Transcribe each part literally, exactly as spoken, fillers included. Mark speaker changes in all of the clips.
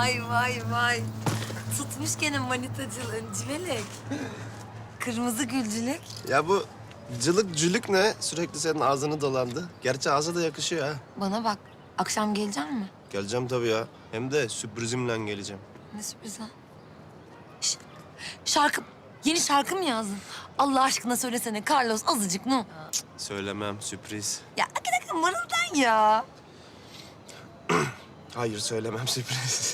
Speaker 1: Vay vay vay. Tutmuş gene manitacılığın civelek. Kırmızı gülcülük.
Speaker 2: Ya bu cılık cülük ne? Sürekli senin ağzını dolandı. Gerçi ağza da yakışıyor ha.
Speaker 1: Bana bak, akşam gelecek mi?
Speaker 2: Geleceğim tabii ya. Hem de sürprizimle geleceğim.
Speaker 1: Ne sürpriz ha? Şş, şarkı, yeni şarkı mı yazdın? Allah aşkına söylesene Carlos azıcık ne?
Speaker 2: Söylemem, sürpriz.
Speaker 1: Ya hakikaten mırıldan ya.
Speaker 2: Hayır söylemem, sürpriz.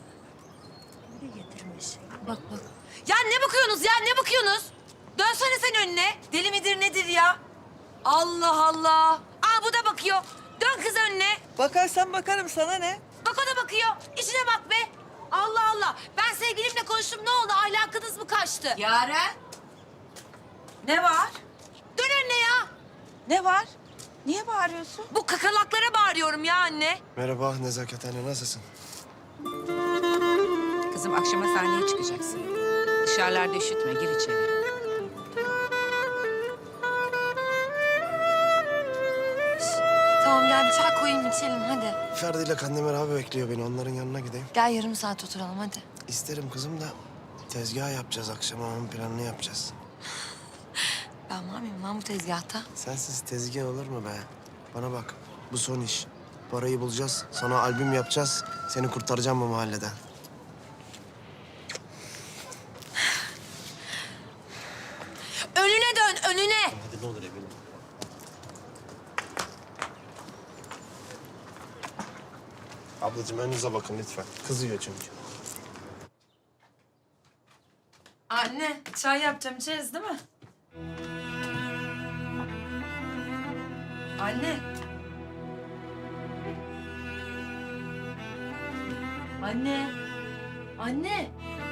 Speaker 1: Bak bak. Ya ne bakıyorsunuz ya ne bakıyorsunuz? Dönsene sen önüne. Deli midir nedir ya? Allah Allah. Aa bu da bakıyor. Dön kız önüne.
Speaker 3: Bakarsan bakarım, sana ne?
Speaker 1: Bak o da bakıyor. İşine bak be. Allah Allah. Ben sevgilimle konuştum ne oldu? Ahlakınız mı kaçtı?
Speaker 3: Yaren. Ne var?
Speaker 1: Dön önüne ya.
Speaker 3: Ne var? Niye bağırıyorsun?
Speaker 1: Bu kakalaklara bağırıyorum ya anne.
Speaker 2: Merhaba Nezaket anne, nasılsın?
Speaker 4: Kızım akşama sahneye çıkacaksın. Dışarılarda üşütme, gir içeri.
Speaker 1: Tamam gel bir çay koyayım içelim hadi.
Speaker 2: Ferdi ile Kandemir abi bekliyor beni. Onların yanına gideyim.
Speaker 1: Gel yarım saat oturalım hadi.
Speaker 2: İsterim kızım da tezgah yapacağız akşama. Onun planını yapacağız.
Speaker 1: Ben var mıyım lan bu tezgahta?
Speaker 2: Sensiz tezgah olur mu be? Bana bak, bu son iş. Parayı bulacağız, sana albüm yapacağız. Seni kurtaracağım bu mahalleden.
Speaker 1: Önüne dön önüne.
Speaker 2: Hadi ne olur eminim. Ablacığım önünüze bakın lütfen. Kızıyor çünkü.
Speaker 1: Anne çay yapacağım içeriz değil mi? Anne. Anne. Anne.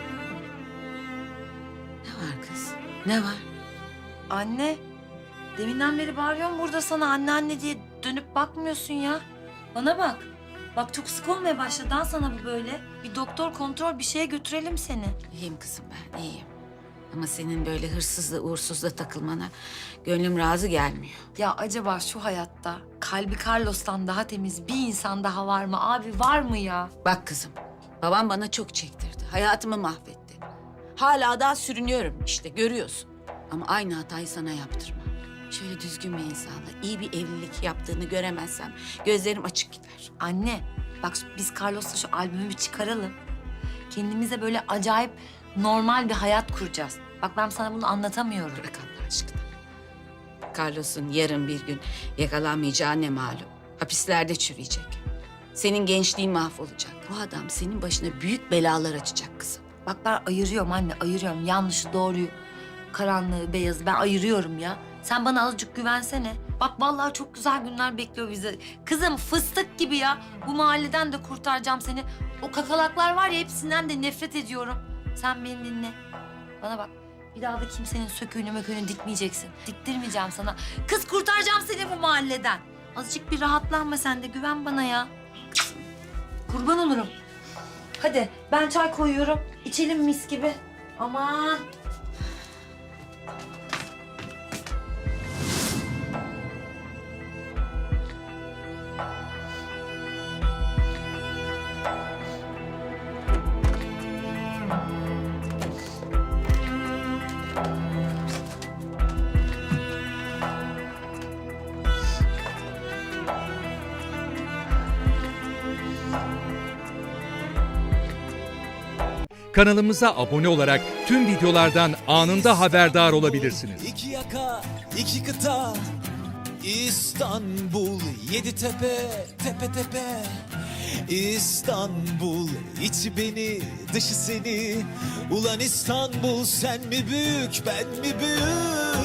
Speaker 4: Ne var kız? Ne var?
Speaker 1: Anne. Deminden beri bağırıyorum burada sana anne anne diye dönüp bakmıyorsun ya. Bana bak. Bak çok sık olmaya başladı ha sana bu böyle. Bir doktor kontrol bir şeye götürelim seni.
Speaker 4: İyiyim kızım ben, iyiyim. Ama senin böyle hırsızla, uğursuzla takılmana gönlüm razı gelmiyor.
Speaker 1: Ya acaba şu hayatta kalbi Carlos'tan daha temiz bir insan daha var mı? Abi var mı ya?
Speaker 4: Bak kızım, babam bana çok çektirdi. Hayatımı mahvetti. Hala daha sürünüyorum işte, görüyorsun. Ama aynı hatayı sana yaptırma. Şöyle düzgün bir insanla iyi bir evlilik yaptığını göremezsem gözlerim açık gider.
Speaker 1: Anne bak biz Carlos'la şu albümü bir çıkaralım. Kendimize böyle acayip normal bir hayat kuracağız. Bak ben sana bunu anlatamıyorum.
Speaker 4: Bırak Allah aşkına. Carlos'un yarın bir gün yakalanmayacağı ne malum. Hapislerde çürüyecek. Senin gençliğin mahvolacak. Bu adam senin başına büyük belalar açacak kızım.
Speaker 1: Bak ben ayırıyorum anne ayırıyorum. Yanlışı doğruyu, karanlığı, beyazı ben ayırıyorum ya. Sen bana azıcık güvensene. Bak vallahi çok güzel günler bekliyor bizi. Kızım fıstık gibi ya. Bu mahalleden de kurtaracağım seni. O kakalaklar var ya hepsinden de nefret ediyorum. Sen beni dinle. Bana bak. Bir daha da kimsenin söküğünü möküğünü dikmeyeceksin. Diktirmeyeceğim sana. Kız kurtaracağım seni bu mahalleden. Azıcık bir rahatlanma sen de güven bana ya. Kurban olurum. Hadi ben çay koyuyorum. İçelim mis gibi. Aman.
Speaker 5: Kanalımıza abone olarak tüm videolardan anında haberdar olabilirsiniz.
Speaker 6: İki yaka, iki kıta, İstanbul, yedi tepe, tepe tepe. İstanbul, içi beni, dışı seni. Ulan İstanbul, sen mi büyük, ben mi büyük?